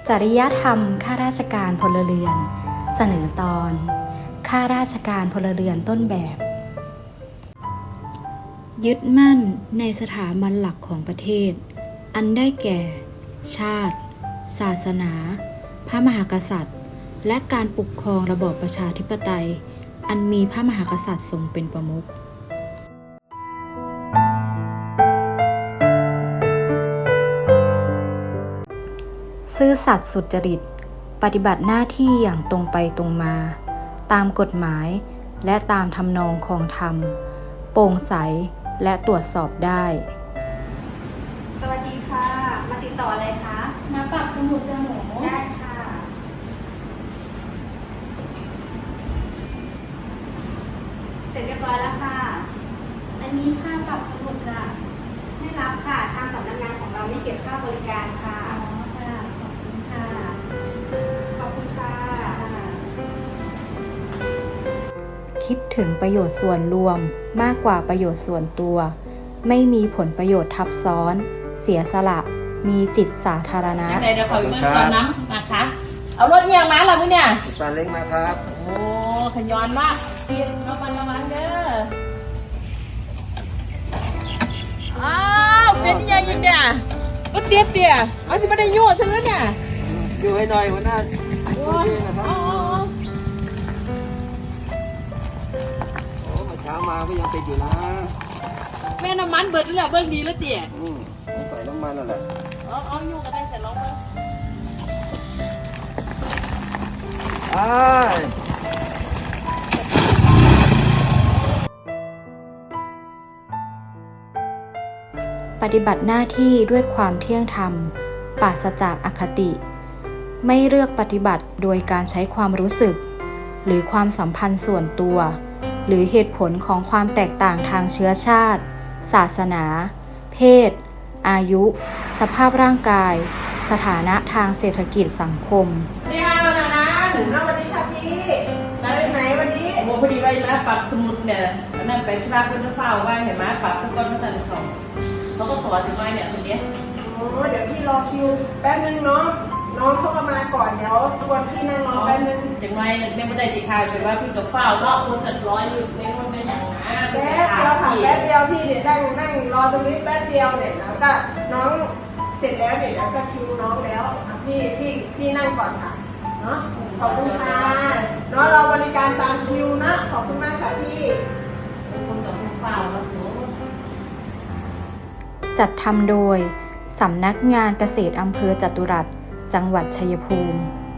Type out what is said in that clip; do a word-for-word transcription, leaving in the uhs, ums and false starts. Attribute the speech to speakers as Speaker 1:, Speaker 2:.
Speaker 1: จริยธรรมข้าราชการพลเรือนเสนอตอนข้าราชการพลเรือนต้นแบบยึดมั่นในสถาบันหลักของประเทศอันได้แก่ ชาติ ศาสนา พระมหากษัตริย์และการปกครองระบอบประชาธิปไตยอันมีพระมหากษัตริย์ทรงเป็นประมุขซื่อสัตย์สุจริตปฏิบัติหน้าที่อย่างตรงไปตรงมาตามกฎหมายและตามทำนองคองธรรมโปร่งใสและตรวจสอบได้
Speaker 2: สวัสดีค่ะมาติดต่ออะไรคะ
Speaker 3: มาปรับสมุดจมูก
Speaker 2: ได้ค่ะเสร็จเรียบร้อยแล้วค่ะ
Speaker 3: อันนี้ค่าปรับสมุดจ้ะ
Speaker 2: ไม่รับค่ะทางสำนักงานของเราไม่เก็บค่าบริการค่ะ
Speaker 3: อ๋อจ้ะขอบคุณค่ะ
Speaker 2: ขอบคุณค่ะ
Speaker 1: คิดถึงประโยชน์ส่วนรวมมากกว่าประโยชน์ส่วนตัวไม่มีผลประโยชน์ทับซ้อนเสียสละมีจิตสาธารณะ
Speaker 4: เดี๋ยวขอเมื่อส่วนน้ำนะคะเอารถเอียงมาเราเนี่ย
Speaker 5: ซาเล้งมาครับ
Speaker 4: โอ้ขย้อนมากเตี้ยระวังระวังเด้ออ้าวเป็นยังยังเนี่ยก็เตี้ยเตี้ยเอาที่ไม่ได้ยั่วซะแล้วเนี่ย
Speaker 5: อยู่ให้หน่อยหัวหน้าช่วยด้วยนะครับโอ้เช้ามาก็ยังติดอยู่นะ
Speaker 4: แม่น้ำมันเบิดแล้วเบิ้งดีแล้วเตี้ย
Speaker 5: อืมใส่น้ำมันนั่นแหละ
Speaker 4: เอาเอาอยู่กันได้เสร็จแล้วมั้ง
Speaker 5: อ้าย
Speaker 1: ปฏิบัติหน้าที่ด้วยความเที่ยงธรรมปราศจากอคติไม่เลือกปฏิบัติโดยการใช้ความรู้สึกหรือความสัมพันธ์ส่วนตัวหรือเหตุผลของความแตกต่างทางเชื้อชาติศาสนาเพศอายุสภาพร่างกายสถานะทางเศรษฐกิจสังคม
Speaker 4: ไม่เอานะนะ
Speaker 2: ถึงแล้ววันนี้ค่ะพี่ได้ไหมวันนี้
Speaker 4: โอ้พอดีไว้นะปรับสมุดเนี่ยนั่นไปที่บ้านคุณจะเฝ้าไว้เห็นไหมปรับสก้อนมาสั่นของเขาก็สอนถึงไว้เนี่ยคนนี้
Speaker 2: โอ้เดี๋ยวพี่รอคิวแป๊บนึงเนาะน้องเขาก็มาก่อนเดี๋ยวชวนพี่นั่งรอแป๊บนึง
Speaker 4: ถึงไว้เนี่ยไม่ได้ติดข่าวเป็นว่าพี่กับเฝ้าเลาะคนตัดร้อยอยู่ในคนเป็นอย่างนั้น
Speaker 2: แป๊บเดียวค่ะแป๊บเดียวพี่เดี๋ยวนั่งนั่งรอตรงนี้แป๊บเดียวเนี่ยแล้วก็น้องเสร็จแล้วเนี่ยแล้วก็คิวน้องแล้วพี่พี่พี่นั่งก่อนค่ะเนาะขอบคุณค่ะเนาะเราบริการตามคิวนะขอบคุณมากค่ะพี่
Speaker 4: คนกับคนเฝ้าแล้วสูง
Speaker 1: จัดทำโดยสำนักงานเกษตรอำเภอจตุรัสจังหวัดชัยภูมิ